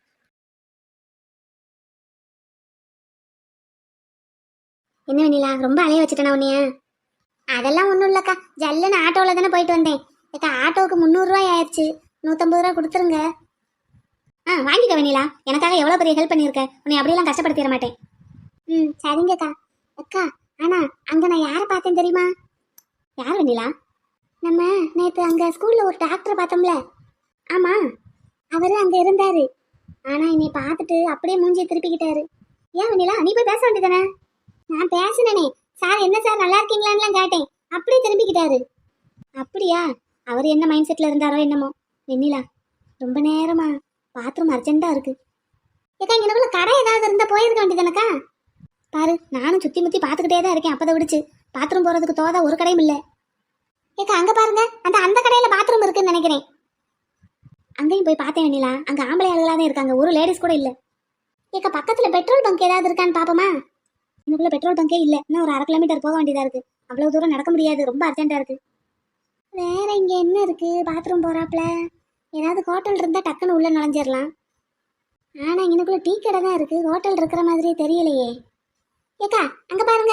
Speaker 4: என்ன வெண்ணிலா, ரொம்ப அலைய வச்சுட்டேனா உன்னைய? அதெல்லாம் ஒன்றும் இல்லைக்கா, ஜல்லுன்னு ஆட்டோவில் தானே போயிட்டு வந்தேன். ஏக்கா ஆட்டோவுக்கு 300 ரூபாய் ஆயிடுச்சு, 150 ரூபா கொடுத்துருங்க. வாங்கிக்க வெண்ணிலா, எனக்காக எவ்வளோ பெரிய ஹெல்ப் பண்ணியிருக்க, உன்னை அப்படியெல்லாம் கஷ்டப்படுத்திட மாட்டேன். ம் சரிங்கக்கா. அக்கா ஆனா அங்கே நான் யாரை பார்த்தேன் தெரியுமா? யார் வெண்ணிலா? நம்ம நேற்று அங்கே ஸ்கூலில் ஒரு டாக்டரை பார்த்தோம்ல. ஆமாம், அவர் அங்கே இருந்தார். ஆனால் என்னை பார்த்துட்டு அப்படியே மூஞ்சியை திருப்பிக்கிட்டாரு. ஏன் வெண்ணிலா, நீ போய் பேச வேண்டியதானே? நான் பேசினேனே சார், என்ன சார் நல்லா இருக்கீங்களான்லாம் கேட்டேன். அப்படியே திரும்பிக்கிட்டாரு. அப்படியா? அவர் என்ன மைண்ட் செட்டில் இருந்தாரோ என்னமோ. வெண்ணிலா, ரொம்ப நேரமா பாத்ரூம் அர்ஜென்ட்டாக இருக்கு. ஏக்கா இங்கனக்குள்ள கடை ஏதாவது இருந்தால் போயிருக்க வேண்டியதானக்கா? பாரு, நானும் சுற்றி முற்றி பார்த்துக்கிட்டே தான் இருக்கேன். அப்போ விடுச்சு பாத்ரூம் போகிறதுக்கு தோதா ஒரு கடையும் இல்லை. ஏக்கா அங்கே பாருங்க, அந்த கடையில் பாத்ரூம் இருக்குன்னு நினைக்கிறேன். அங்கேயும் போய் பார்த்தேன் வெண்ணிலா, அங்கே ஆம்பளை ஆளுகளாக தான் இருக்காங்க, ஒரு லேடிஸ் கூட இல்லை. ஏக்கா பக்கத்தில் பெட்ரோல் பங்க் ஏதாவது இருக்கான்னு பார்ப்போமா? இன்னுக்குள்ள பெட்ரோல் பங்கே இல்லை, இன்னும் ஒரு 1/2 கிலோமீட்டர் போக வேண்டியதாக இருக்குது. அவ்வளோ தூரம் நடக்க முடியாது, ரொம்ப அர்ஜென்ட்டாக இருக்குது. வேற இங்கே என்ன இருக்குது பாத்ரூம் போகிறாப்புல? ஏதாவது ஹோட்டல் இருந்தால் டக்குன்னு உள்ளே நுழைஞ்சிடலாம். ஆனால் இங்கனுக்குள்ள டீ கடை தான் இருக்குது, ஹோட்டல் இருக்கிற மாதிரியே தெரியலையே. ஏக்கா அங்கே பாருங்க.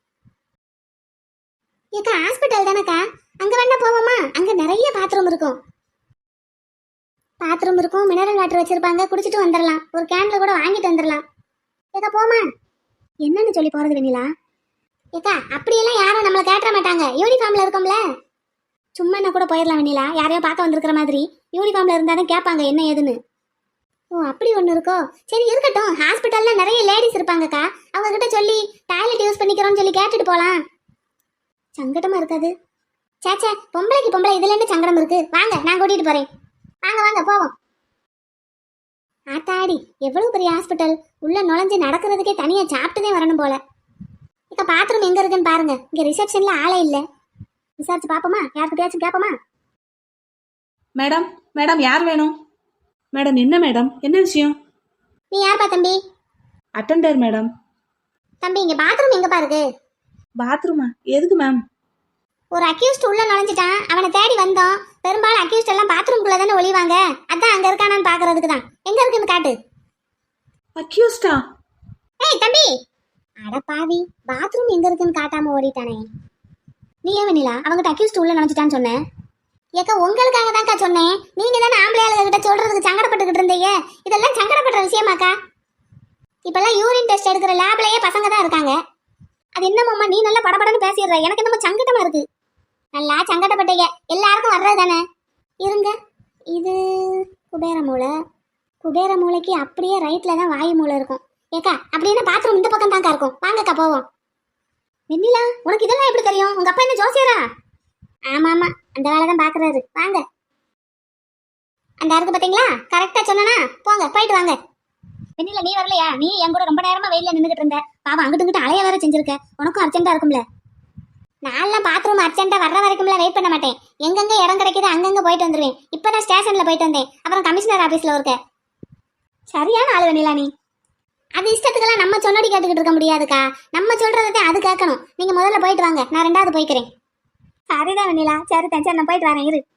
Speaker 4: ஏக்கா ஹாஸ்பிட்டல் தானேக்கா, அங்கே வேணா போவோமா? அங்கே நிறைய பாத்ரூம் இருக்கும். மினரல் வாட்டர் வச்சிருப்பாங்க, குடிச்சிட்டு வந்துடலாம். ஒரு கேன்ல கூட வாங்கிட்டு வந்துடலாம். ஏக்கா போமா? என்னன்னு சொல்லி போறது வெண்ணிலா? ஏக்கா அப்படியெல்லாம் யாரும் நம்மளை கேட்டுற மாட்டாங்க, யூனிஃபார்ம்ல இருக்கோம்ல. சும்மா என்ன கூட போயிடலாம் வெண்ணிலா, யாரையோ பார்க்க வந்திருக்கிற மாதிரி. யூனிஃபார்ம்ல இருந்தாலும் கேட்பாங்க என்ன ஏதுன்னு. ஓ அப்படி ஒன்று இருக்கோ? சரி இருக்கட்டும், ஹாஸ்பிட்டல்ல நிறைய லேடிஸ் இருப்பாங்கக்கா, அவங்க கிட்ட சொல்லி டாய்லெட் யூஸ் பண்ணிக்கிறோம்னு சொல்லி கேட்டுட்டு போகலாம். சங்கடமா இருக்காது? சேச்சே, பொம்பளைக்கு பொம்பளை இதுல என்ன சங்கடம் இருக்கு? வாங்க நான் கூட்டிட்டு போறேன். வாங்க வாங்க போவோம். ஆத்தாடி, எவ்வளவு பெரிய ஹாஸ்பிட்டல், உள்ள நுழைஞ்சு நடக்கிறதுக்கே தனியா சாப்பிட்டுதே வரணும் போல. இக்க பாத்ரூம் எங்க இருக்குன்னு பாருங்க. இங்க ரிசப்ஷன்ல ஆளே இல்ல. விசாரிச்சு பாப்போமா? யார்கிட்டயாச்சும் கேப்போமா?
Speaker 2: மேடம் மேடம் யார் வேணும்? மேடம் என்ன மேடம், என்ன விஷயம்?
Speaker 4: நீ யார்ப்பா தம்பி?
Speaker 2: Attender madam.
Speaker 4: தம்பி இங்க பாத்ரூம் எங்கப்பா இருக்கு?
Speaker 2: பாத்ரூமா? எதுக்கு மேம்?
Speaker 4: ஒரு அக்யூஸ்ட் உள்ள நுழைஞ்சிட்டான், அவனை தேடி வந்தோம். பெரும்பாலும் அக்யூஸ்ட் எல்லாம் பாத்ரூம்குள்ள தானே ஒளிவாங்க, அதான் அங்க இருக்கானான்னு பாக்குறதுக்கு தான். எங்க இருக்குன்னு காட்டு.
Speaker 2: அக்யூஸ்டா?
Speaker 4: ஏய் தம்பி, அட பாவி, பாத்ரூம் எங்க இருக்குன்னு காட்டாம ஓடிட்டானே. நீ ஏன் வெண்ணிலா அவங்ககிட்ட அக்யூஸ்ட் உள்ள நுழைஞ்சிட்டான்னு சொன்னேன்? ஏக்கா உங்களுக்காக தான்க்கா சொன்னேன். நீங்க தானே ஆம்பளை ஆளுகிட்ட சொல்றதுக்கு சங்கடப்பட்டுக்கிட்டு இருந்தீங்க. இதெல்லாம் சங்கடப்படுற விஷயமாக்கா? இப்பெல்லாம் யூரின் டெஸ்ட் எடுக்கிற லேப்லயே பசங்க தான் இருக்காங்க. அது என்னமாம்மா நீ நல்லா படபடன்னு பேசிடுற, எனக்கு என்னமோ சங்கடமா இருக்கு. நல்லா சங்கடப்பட்டீங்க, எல்லாருக்கும் வர்றது தானே. இருங்க, இது குபேர மூளை. குபேர மூளைக்கு அப்படியே ரைட்ல தான் வாயு மூளை இருக்கும். ஏக்கா அப்படின்னா பாத்ரூம் இந்த பக்கம் தான்க்கா இருக்கும். வாங்கக்கா போவோம். வெண்ணிலா உனக்கு இதெல்லாம் எப்படி தெரியும்? உங்க அப்பா என்ன ஜோசியரா? ஆமா ஆமா, அந்த வேலை தான் பாக்குறாரு. வாங்க, அந்த இருக்கு பாத்தீங்களா, கரெக்டா சொன்னா. போங்க போயிட்டு வாங்க. வெண்ணிலா நீ வரலையா? நீ என் கூட ரொம்ப நேரமா வெயில நின்றுட்டு இருந்த. பாவம் அங்கிட்டு இங்கிட்டு அலைய வேற செஞ்சிருக்க, உனக்கும் அர்ஜென்ட்டா இருக்கும்ல. நான்லாம் பாத்ரூம் அர்ஜென்ட்டா வர்ற வரைக்கும்ல வெயிட் பண்ண மாட்டேன். எங்கெங்க இடம் கிடைக்குது அங்கங்க போயிட்டு வந்துடுவேன். இப்போ நான் ஸ்டேஷன்ல போயிட்டு வந்தேன், அப்புறம் கமிஷனர் ஆபீஸ்ல இருக்க. சரியான ஆளு வெண்ணிலா நீ. அது இஷ்டத்துக்கெல்லாம் நம்ம சொன்னடி கேட்டுக்கிட்டு இருக்க முடியாதுக்கா. நம்ம சொல்றதை அது கேட்கணும். நீங்க முதல்ல போயிட்டு வாங்க, நான் 2வது போய்க்கிறேன். சரிதான் வெண்ணிலா, சரி சரி நான் போயிட்டு வரேன், இரு.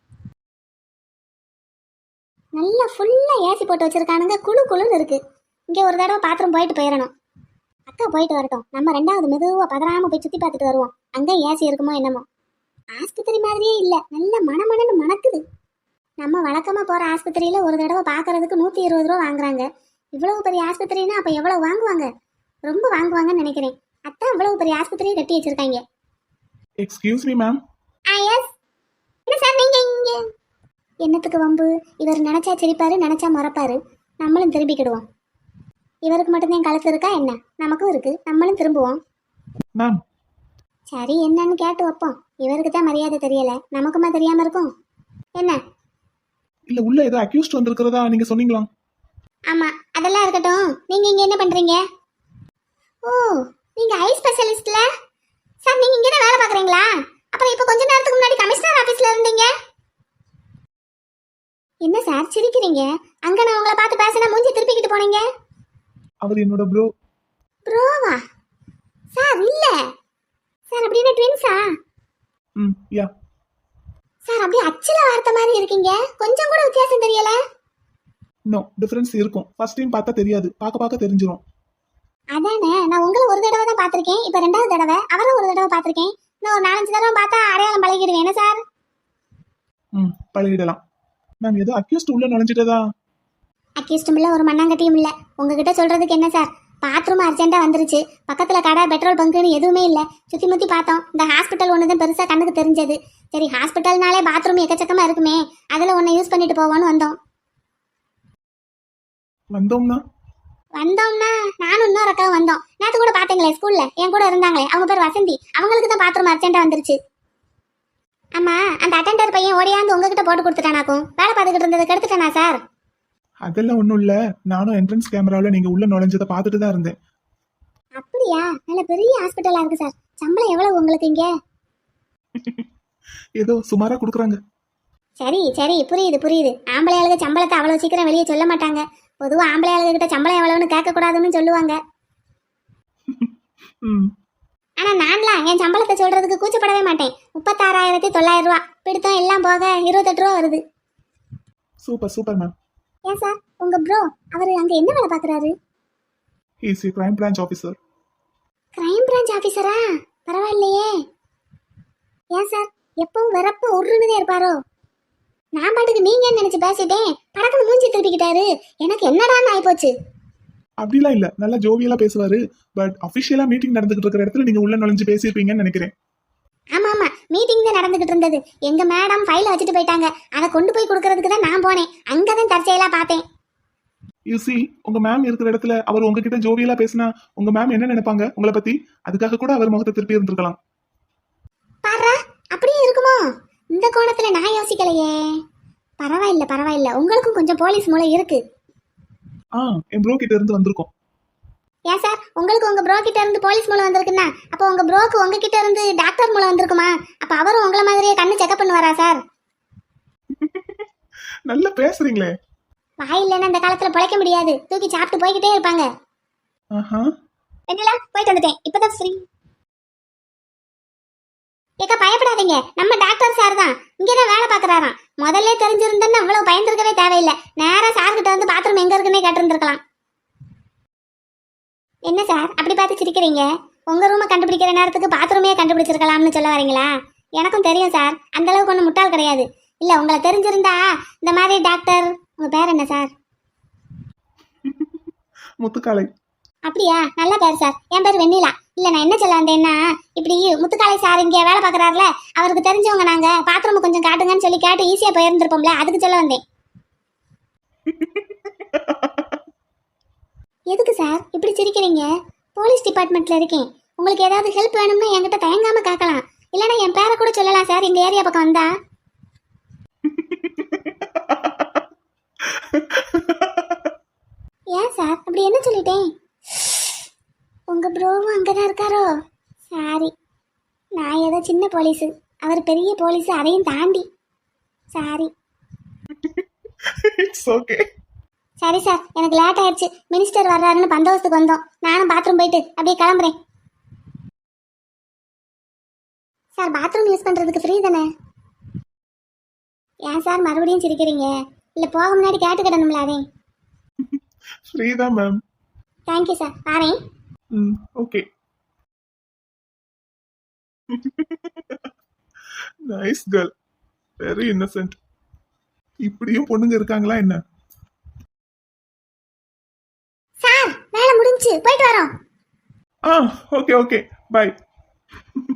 Speaker 4: நல்லா ஃபுல்லா ஏசி போட்டு வச்சிருக்கானுங்க, குழு குழுன்னு இருக்கு. இங்க ஒரு தடவை பாத்ரூம் போயிட்டு போயிடணும். அக்கா போயிட்டு வரட்டும், நம்ம 2வது மெதுவா பதறாம போய் சுத்தி பார்த்துட்டு வருவோம். அங்க ஏசி இருக்குமோ என்னமோ. ஆஸ்பத்திரி மாதிரியே இல்ல, நல்ல மணமணன்னு மணக்குது. நம்ம வழக்கமா போற ஆஸ்பத்திரியில ஒரு தடவை பாக்குறதுக்கு 120 ரூபா வாங்குறாங்க. இவ்வளவு பெரிய ஆஸ்பத்திரின்னா அப்ப எவ்வளவு வாங்குவாங்க? ரொம்ப வாங்குவாங்கன்னு நினைக்கிறேன். அதான் இவ்வளவு பெரிய ஆஸ்பத்திரியை கட்டி வச்சிருக்காங்க.
Speaker 5: Excuse me ma'am.
Speaker 4: எஸ். என்ன சார் நீங்க இங்க? என்னத்துக்கு வம்பு? இவர் நினைச்சா சிரிப்பாரு, நினைச்சா மறப்பாரு. நம்மளும் திரும்பிக்கிடுவோம். இவருக்கு மட்டும்தான் கழுத்து இருக்கா என்ன? நமக்கும் இருக்கு, நம்மளும் திரும்புவோம்.
Speaker 5: மேம்
Speaker 4: சரி என்னன்னு கேட்டு வைப்போம். இவருக்கு தான் மரியாதை தெரியல, நமக்குமா தெரியாம இருக்கும் என்ன?
Speaker 5: இல்ல உள்ள ஏதோ அக்யூஸ்ட் வந்திருக்கிறதா நீங்க சொன்னீங்களா?
Speaker 4: ஆமா, அதெல்லாம் இருக்கட்டும். நீங்க இங்க என்ன பண்றீங்க? ஓ, நீங்க ஐ ஸ்பெஷலிஸ்ட்ல? சார் நீங்க இங்க தான் வேலை பாக்குறீங்களா? அப்புறம் இப்ப கொஞ்ச நேரத்துக்கு முன்னாடி கமிஷனர் ஆபீஸ்ல இருந்தீங்க. என்ன சார் சிரிக்கிறீங்க? அங்க நான் உங்களை பார்த்து பேசினா மூஞ்சி திருப்பிக்கிட்டு போனீங்க.
Speaker 5: அவர் என்னோட ப்ரோ.
Speaker 4: ப்ரோவா? சார் இல்ல. சார் அப்படியே ட்வின்ஸா?
Speaker 5: யா.
Speaker 4: சார் அப்படியே அச்சில வார்த்த மாதிரி இருக்கீங்க. கொஞ்சம் கூட வித்தியாசம் தெரியல.
Speaker 5: நோ, டிஃபரன்ஸ் இருக்கும். ஃபர்ஸ்ட் டைம் பார்த்தா தெரியாது, பார்க்க தெரிஞ்சிரும்.
Speaker 4: அதானே, நான் உங்களை ஒரு தடவை தான் பார்த்திருக்கேன். இப்ப ரெண்டாவது தடவை. அவரை ஒரு தடவை பார்த்திருக்கேன். இன்னும் ஒரு 4-5 தடவை பார்த்தா அடையாளம் பழகிடுவேன். என்ன சார்?
Speaker 5: பழகிடலாம். மேம் ஏதோ அக்யூஸ்ட் உள்ள நுழைஞ்சிட்டதா?
Speaker 4: அக்யூஸ்டும் இல்ல, ஒரு மண்ணாங்கட்டியும் இல்ல. உங்ககிட்ட சொல்றதுக்கு என்ன சார்? பாத்ரூம் அர்ஜென்ட்டா வந்துருச்சு. பக்கத்துல கடை, பெட்ரோல் பங்குன்னு எதுவுமே இல்ல. சுத்தி முத்தி பார்த்தோம். இந்த ஹாஸ்பிட்டல் ஒண்ணுதான் பெருசா கண்ணுக்கு தெரிஞ்சது. சரி, ஹாஸ்பிட்டல்னாலே பாத்ரூம் எக்கச்சக்கமா இருக்குமே, அதுல ஒன்னை யூஸ் பண்ணிட்டு போவோன்னு வந்தோம்.
Speaker 5: வந்தோம்னா
Speaker 4: நானும் இன்னொரு அக்காவும் வந்தோம். நேத்து கூட பாத்தீங்களே ஸ்கூல்ல என் கூட இருந்தாங்களே, அவங்க பேர் வசந்தி. அவங்களுக்கு தான் பாத்ரூம் அர்ஜென்ட்டா வந்துருச்சு. ஆமா, அந்த அட்டெண்டர் பையன் ஓடியாந்து உங்ககிட்ட போட்டு கொடுத்துட்டானாக்கும். வேலை பார்த்துக்கிட்டு இருந்தது கெடுத்துட்டானா சார்?
Speaker 5: அதெல்லாம் ஒண்ணும் இல்ல. நானும் என்ட்ரன்ஸ் கேமரால நீங்க உள்ள நுழைஞ்சதை பார்த்துட்டு தான் இருந்தேன்.
Speaker 4: அப்படியா? நல்ல பெரிய ஹாஸ்பிட்டலா இருக்கு சார். சம்பளம் எவ்வளவு உங்களுக்கு இங்க?
Speaker 5: ஏதோ சுமாரா கொடுக்குறாங்க.
Speaker 4: சரி புரியுது. ஆம்பளை ஆளுங்க சம்பளத்தை அவ்வளவு சீக்கிரம் வெளியே சொல்ல மாட்டாங்க. பொதுவா ஆம்பளை ஆளுங்க கிட்ட சம்பளம் எவ்வளவுன்னு கேட்க கூடாதுன்னு சொல்லுவாங்க. ஆனா நான்லாம் என் சம்பளத்தை சொல்றதுக்கு கூச்சப்படவே மாட்டேன். 36,900 ரூபா. பிடித்தம் எல்லாம் போக 28 ரூபா வருது.
Speaker 5: Super ma'am.
Speaker 4: ஏன் சார், உங்க ப்ரோ அவரு அங்க என்ன வேலை பாக்குறாரு?
Speaker 5: He is a crime branch officer.
Speaker 4: Crime branch ஆபீசரா? பரவாயில்லையே. ஏன் சார் எப்பவும் வரப்ப உருணுதே இருப்பாரோ? நான் பாட்டுக்கு நீங்க நினைச்சு பேசிட்டேன். படக்குன்னு மூஞ்சி திருப்பிக்கிட்டாரு. எனக்கு என்னடான்னு ஆயிப்போச்சு.
Speaker 5: அப்படிலாம் இல்ல, நல்லா ஜோவியலா பேசுவாரு. பட் அபிஷியலா மீட்டிங் நடந்துகிட்டு இருக்கிற இடத்துல நீங்க உள்ள நுழைஞ்சு பேசியிருப்பீங்கன்னு நினைக்கிறேன்.
Speaker 4: ஆமா, மீட்டிங் தான் நடந்துகிட்டு இருந்தது. எங்க மேடம் ஃபைல வச்சுட்டு போயிட்டாங்க. அதை கொண்டு போய் கொடுக்கறதுக்கு தான் நான் போனேன். அங்கதான் தற்செயலா பார்த்தேன்.
Speaker 5: யூ சி, உங்க மேம் இருக்கிற இடத்துல அவர் உங்ககிட்ட ஜோவியலா பேசினா உங்க மேம் என்ன நினைப்பாங்க உங்களை பத்தி? அதுக்காக கூட அவர் முகத்தை திருப்பி இருந்திருக்கலாம்.
Speaker 4: பாரா, அப்படியே இருக்குமோ? இந்த கோணத்துல நான் யோசிக்கலையே. பரவாயில்ல. உங்களுக்கும் கொஞ்சம் போலீஸ் மூளை இருக்கு.
Speaker 5: என் ப்ரோ கிட்ட இருந்து வந்திருக்கோம்.
Speaker 4: ஏன் சார், உங்களுக்கு உங்க ப்ரோ கிட்ட இருந்து போலீஸ் மூலம் வந்திருக்குன்னா அப்போ உங்க ப்ரோக்கு உங்ககிட்ட இருந்து டாக்டர் மூலம் வந்திருக்குமா? அப்ப அவரும் உங்களை மாதிரியே கண்ணு செக்அப் பண்ணுவாரா சார்?
Speaker 5: நல்லா பேசுறீங்களே.
Speaker 4: வாய் இல்லைன்னா இந்த காலத்துல பிழைக்க முடியாது. தூக்கி சாப்பிட்டு போய்கிட்டே இருப்பாங்க. என்னடா போயிட்டு வந்துட்டேன். இப்பதான் ஃப்ரீ. ஏக்கா பயப்படாதீங்க, நம்ம டாக்டர் சார் தான். இங்கதான் வேலை பாக்குறாராம். முதல்ல தெரிஞ்சிருந்தேன்னு அவ்வளவு பயந்துருக்கவே தேவையில்லை. நேரா சார் கிட்ட வந்து பாத்ரூம் எங்க இருக்குன்னே கேட்டிருந்திருக்கலாம். என்ன சார் அப்படி பார்த்து சிரிக்கிறீங்க? உங்க ரூமை கண்டுபிடிக்கிற நேரத்துக்கு பாத்ரூமே கண்டுபிடிச்சிருக்கலாம்னு சொல்ல வரீங்களா? எனக்கும் தெரியும் சார், அந்த அளவுக்கு ஒன்றும் முட்டாள் கிடையாது. இல்ல உங்களை தெரிஞ்சிருந்தா இந்த மாதிரி டாக்டர். உங்க பேர் என்ன சார்?
Speaker 5: முத்துக்காலை.
Speaker 4: அப்படியா? நல்ல பேர் சார். என் பேர் வெண்ணிலா. இல்ல நான் என்ன சொல்ல வந்தேன்னா, இப்படி முத்துக்காலை சார் இங்க வேலை பாக்குறாருல, அவருக்கு தெரிஞ்சவங்க நாங்க. பாத்ரூம் கொஞ்சம் காட்டுங்கன்னு சொல்லி கேட்டு ஈஸியா போயிருந்திருப்போம்ல, அதுக்கு சொல்ல வந்தேன். எதுக்கு சார் இப்படி சிரிக்கிறீங்க? போலீஸ் டிபார்ட்மெண்ட்ல இருக்கேன். உங்களுக்கு ஏதாவது ஹெல்ப் வேணும்னா என்கிட்ட தயங்காம கேட்கலாம். இல்லைன்னா என் பேரை கூட சொல்லலாம் சார், இந்த ஏரியா பக்கம் வந்தா. ஏன் சார் அப்படி என்ன சொல்லிட்டேன்? உங்க ப்ரோவும் அங்கதான் இருக்காரோ? சாரி, நான் ஏதோ சின்ன போலீஸு, அவர் பெரிய போலீஸு, அதையும் தாண்டி. சாரி.
Speaker 5: It's okay.
Speaker 4: சரி சார், எனக்கு லேட் ஆயிடுச்சு. மினிஸ்டர் வர்றாருன்னு பந்தோபஸ்துக்கு வந்தோம். நானும் பாத்ரூம் போயிட்டு அப்படியே கிளம்புறேன். சார் பாத்ரூம் யூஸ் பண்றதுக்கு ஃப்ரீ தானே? ஏன் சார் மறுபடியும் சிரிக்கிறீங்க? இல்ல போக முன்னாடி கேட்டுக்கிடணும்ல அதே.
Speaker 5: ஃப்ரீ தான் மேம்.
Speaker 4: தேங்க்யூ சார், பாரேன்.
Speaker 5: Okay. Nice girl, very innocent. இப்படியும் பொண்ணுங்க இருக்காங்களா என்ன?
Speaker 4: சார் வேலை முடிஞ்சு போயிட்டு வரோம்.
Speaker 5: Okay by.